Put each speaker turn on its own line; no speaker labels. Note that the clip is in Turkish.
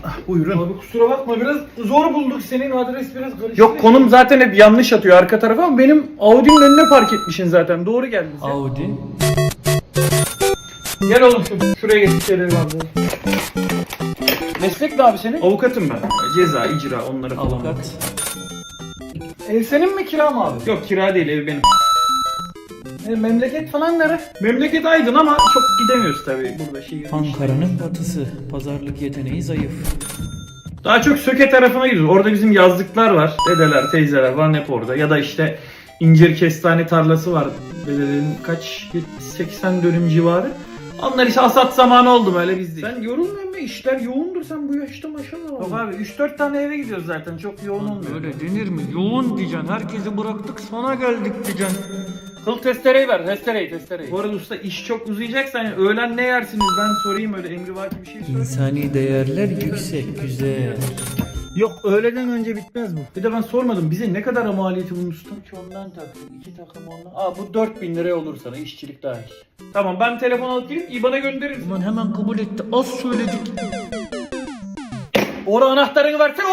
Buyurun.
Abi kusura bakma, biraz zor bulduk, senin adres biraz karıştı.
Yok, konum zaten hep yanlış atıyor arka tarafa ama benim Audi'nin önüne park etmişsin zaten. Doğru geldin sen.
Audi.
Gel oğlum şuraya geç şeyleri abi.
Meslek ne abi senin? Avukatım ben. Ceza, icra onları falan.
Avukat.
Ev senin mi, kira mı abi?
Yok, kira değil, ev benim.
Memleket falan nere?
Memleket Aydın ama çok gidemiyoruz tabii burada şehir.
Ankara'nın batısı. Pazarlık yeteneği zayıf.
Daha çok Söke tarafına gidiyoruz. Orada bizim yazlıklar var. Dedeler, teyzeler falan hep orada. Ya da işte incir kestane tarlası var. Dedelerin kaç? 80 dönüm civarı. Onlar işte hasat zamanı oldu böyle bizde. Sen yorulmuyor musun? İşler yoğundur, sen bu yaşta maşallah. Yok abi, 3-4 tane eve gidiyoruz zaten. Çok yoğun olmuyor.
Öyle denir mi? Yoğun diyeceksin. Herkesi bıraktık sana geldik diyeceksin.
Kıl testereyi ver, testereyi. Bu arada usta, iş çok uzayacaksa hani öğlen ne yersiniz ben sorayım, öyle emrivaki bir şey söyle.
İnsani değerler yüksek, güzel.
Yok, öğleden önce bitmez bu.
Bir de ben sormadım, bize ne kadar maliyeti bunun usta?
3 ondan takım, 2 takım ondan. Bu 4000 liraya olur sana, işçilik dahil.
Tamam, ben telefon alıp gelip IBAN'a göndeririz.
Ulan hemen kabul etti. Az söyledik.
Ora anahtarını versene.